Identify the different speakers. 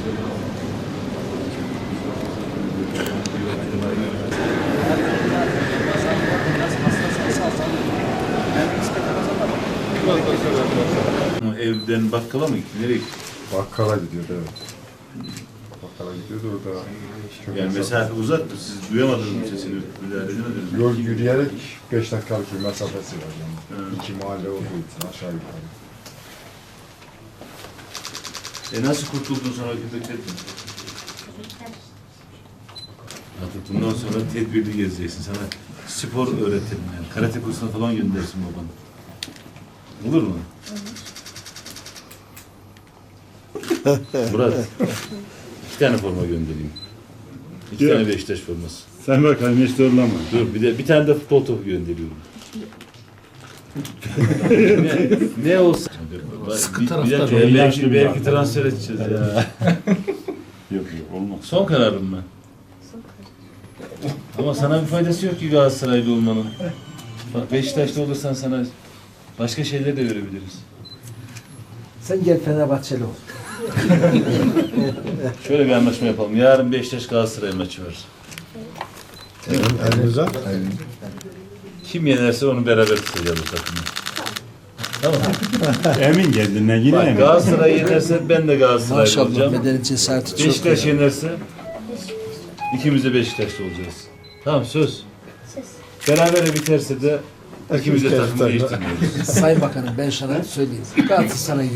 Speaker 1: Evden bakkala mı gitti? Nereye gitti?
Speaker 2: Bakkala gidiyordu, evet. Bakkala gidiyordu orada.
Speaker 1: Yani mesafe uzak mı? Siz duyamadınız mı sesini? Müdahale edemediniz mi?
Speaker 2: Yol yürüyerek 5 dakikalık bir mesafesi var yani.
Speaker 1: Evet.
Speaker 2: 2 mahalle olduğu için aşağı yukarı.
Speaker 1: Nasıl kurtuldun sonra köpeklerden? Artık bundan sonra tedbirli gezeceksin. Sana spor öğretirim yani. Karate kursuna falan göndersin babanı. Olur mu? Murat, 2 tane forma göndereyim. 2 tane Beşiktaş forması.
Speaker 3: Sen bakalım hiç zorlama.
Speaker 1: Dur bir tane de futbol topu gönderiyorum. ne olsa.
Speaker 4: Sıkı taraftar.
Speaker 1: Belki transfer edeceğiz ya.
Speaker 3: Yok olmaz.
Speaker 1: Son kararım mı? Ama sana bir faydası yok ki Galatasaraylı olmanın. Bak Beşiktaşlı olursan sana başka şeyler de görebiliriz.
Speaker 4: Sen gel Fenerbahçeli ol.
Speaker 1: Şöyle bir anlaşma yapalım. Yarın Beşiktaş Galatasaray maçı var.
Speaker 2: Elinize.
Speaker 1: Kim yenerse onu beraber tutacağız bu takımı. Tamam.
Speaker 3: Emin kendinden yine
Speaker 1: Bak
Speaker 3: emin.
Speaker 1: Galatasaray yenerse ben de Galatasaraylı
Speaker 4: Maşallah
Speaker 1: olacağım.
Speaker 4: bedeni cesareti çok.
Speaker 1: Beşiktaş
Speaker 4: ya.
Speaker 1: yenerse ikimiz de Beşiktaşlı olacağız. Tamam söz. Berabere biterse de ikimiz de takımı değiştirmiyoruz.
Speaker 4: Sayın Bakanım ben sana söyleyeyim. Galatasaray